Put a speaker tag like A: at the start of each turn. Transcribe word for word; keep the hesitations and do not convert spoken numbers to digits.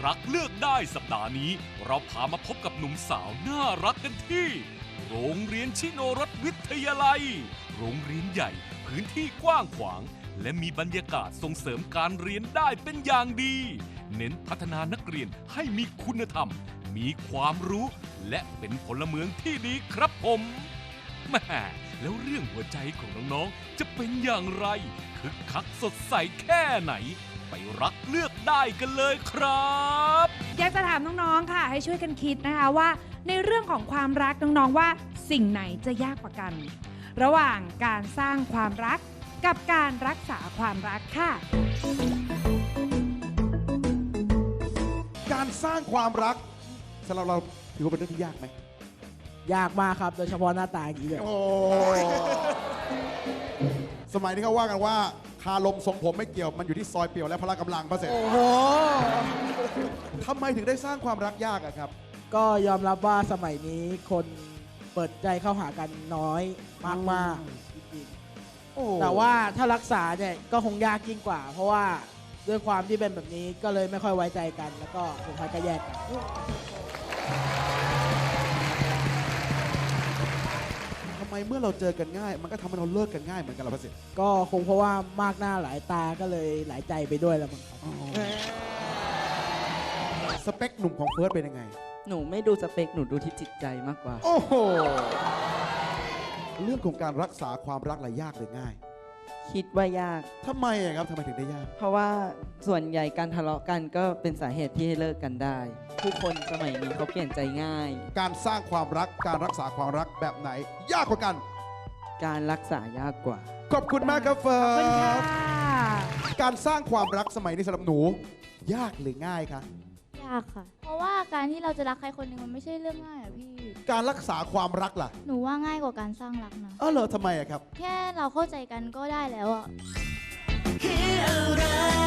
A: รักเลือกได้สัปดาห์นี้เราพามาพบกับหนุ่มสาวน่ารักกันที่โรงเรียนชิโนรสวิทยาลัยโรงเรียนใหญ่พื้นที่กว้างขวางและมีบรรยากาศส่งเสริมการเรียนได้เป็นอย่างดีเน้นพัฒนานักเรียนให้มีคุณธรรมมีความรู้และเป็นพลเมืองที่ดีครับผมแม่แล้วเรื่องหัวใจของน้องๆจะเป็นอย่างไรคึกคักสดใสแค่ไหนไปรักเลือกได้กันเลยครับ
B: อยากจะถามน้องๆค่ะให้ช่วยกันคิดนะคะว่าในเรื่องของความรักน้องๆว่าสิ่งไหนจะยากกว่ากัน ระหว่างการสร้างความรักกับการรักษาความรักค่ะ
C: การสร้างความรักสำหรับเราถือว่าเป็นเรื่องที่ยากไหม
D: ยากมากครับโดยเฉพาะหน้าตาอย่างนี้เลย
C: โอ้สมัยนี้เขาว่ากันว่าคาลมทรงผมไม่เกี่ยวมันอยู่ที่ซอยเปี่ยวและพละกำลังพระเสร็จ
D: โอ้โห
C: ทำไมถึงได้สร้างความรักยากอะครับ
D: ก็ยอมรับว่าสมัยนี้คนเปิดใจเข้าหากันน้อยมากๆจริง
C: โอ้
D: ๆแต่ว่าถ้ารักษาเนี่ยก็คงยากยิ่งกว่า เพราะว่าด้วยความที่เป็นแบบนี้ก็เลยไม่ค่อยไว้ใจกัน แล้วก็สุดท้ายก็แยกกัน
C: ทำไมเมื่อเราเจอกันง่าย มันก็ทำให้เราเลิกกันง่ายเหมือนกันล่ะพระเสร็จ
D: ก็คงเพราะว่ามากหน้าหลายตาก็เลยหลายใจไปด้วยแล้วมั้งครับ
C: สเปคหนุ่มของเฟิร์สเป็นยังไง
E: หนูไม่ดูสเปค หนูดูที่จิตใจมากกว่า
C: โอ้โหเรื่องของการรักษาความรักอะไรยากหรือง่าย
E: คิดว่ายาก
C: ทำไมอะครับทำไมถึงได้ยาก
E: เพราะว่าส่วนใหญ่การทะเลาะกันก็เป็นสาเหตุที่ให้เลิกกันได้ ผู้คนสมัยนี้เขาเปลี่ยนใจง่าย
C: การสร้างความรักการรักษาความรักแบบไหน ยากกว่ากัน
E: การรักษายากกว่า
C: ขอบคุณมากครับเฟิ
B: ขอบคุณ
C: ร์
B: ค่ะ
C: สการสร้างความรักสมัยนี้สำหรับหนู ยากหรือง่ายคะ
F: ยากค่ะ เพราะว่าการที่เราจะรักใครคนหนึ่งมันไม่ใช่เรื่องง่ายอะพี่
C: การรักษาความรักล่ะ
F: หนูว่าง่ายกว่าการสร้างรักนะ
C: เออเหรอทำไมอะครับ
F: แค่เราเข้าใจกันก็ได้แล้วอะ
G: คืออะไร